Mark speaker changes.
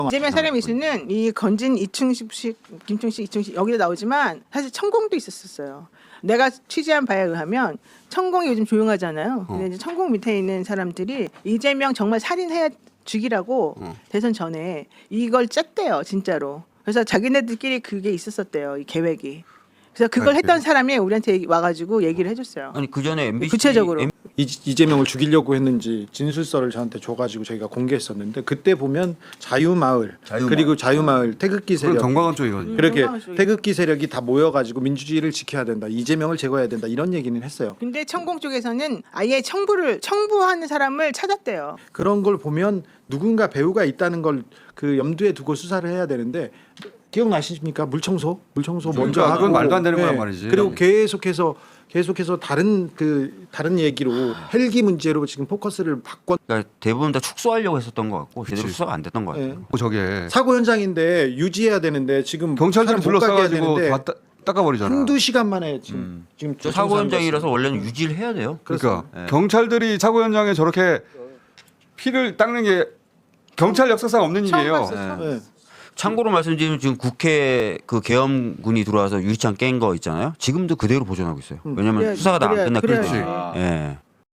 Speaker 1: 이재명 사람 이슈는 이 건진 이충식, 김충식, 이충식 여기도 나오지만 사실 천공도 있었어요. 내가 취재한 바에 의하면 천공이 요즘 조용하잖아요. 근데 이제 천공 밑에 있는 사람들이 이재명 정말 살인해야 죽이라고 대선 전에 이걸 짰대요, 진짜로. 그래서 자기네들끼리 그게 있었었대요, 이 계획이. 그래서 그걸 했던 사람이 우리한테 와가지고 얘기를 해줬어요.
Speaker 2: 아니 그 전에 MBC
Speaker 1: 구체적으로.
Speaker 3: 이재명을 죽이려고 했는지 진술서를 저한테 줘가지고 저희가 공개했었는데 그때 보면 자유마을. 그리고 자유마을 태극기
Speaker 4: 그건
Speaker 3: 세력
Speaker 4: 정광훈 쪽이거든요.
Speaker 3: 그렇게
Speaker 1: 정광훈 쪽이.
Speaker 3: 태극기 세력이 다 모여가지고 민주주의를 지켜야 된다, 이재명을 제거해야 된다 이런 얘기는 했어요.
Speaker 1: 근데 천공 쪽에서는 아예 청부하는 사람을 찾았대요.
Speaker 3: 그런 걸 보면 누군가 배우가 있다는 걸 그 염두에 두고 수사를 해야 되는데 기억나십니까? 물청소 먼저
Speaker 4: 그러니까
Speaker 3: 하고
Speaker 4: 그건 말도 안 되는 거란 말이지.
Speaker 3: 그리고 계속해서 다른 얘기로 헬기 문제로 지금 포커스를 바꿔.
Speaker 2: 그러니까 대부분 다 축소하려고 했었던 것 같고 제대로 수사가 안 됐던 것 같아요.
Speaker 3: 네.
Speaker 4: 저게
Speaker 3: 사고 현장인데 유지해야 되는데 지금
Speaker 4: 경찰들이
Speaker 3: 사람 못 가게 해야
Speaker 4: 둘러싸가지고
Speaker 3: 되는데
Speaker 4: 다 닦아버리잖아.
Speaker 3: 한두 시간 만에 지금
Speaker 2: 저 사고 현장이라서 원래는 유지를 해야 돼요.
Speaker 4: 그러니까
Speaker 2: 네.
Speaker 4: 경찰들이 사고 현장에 저렇게 피를 닦는 게 경찰 역사상 없는
Speaker 1: 처음
Speaker 4: 일이에요.
Speaker 1: 봤어요.
Speaker 3: 네.
Speaker 2: 참고로 말씀드리면 지금 국회 그 계엄군이 들어와서 유리창 깬 거 있잖아요. 지금도 그대로 보존하고 있어요. 왜냐하면
Speaker 1: 그래야-
Speaker 2: 수사가 다 안
Speaker 1: 그래야-
Speaker 2: 끝났거든요.
Speaker 1: 그래야지.
Speaker 2: 예.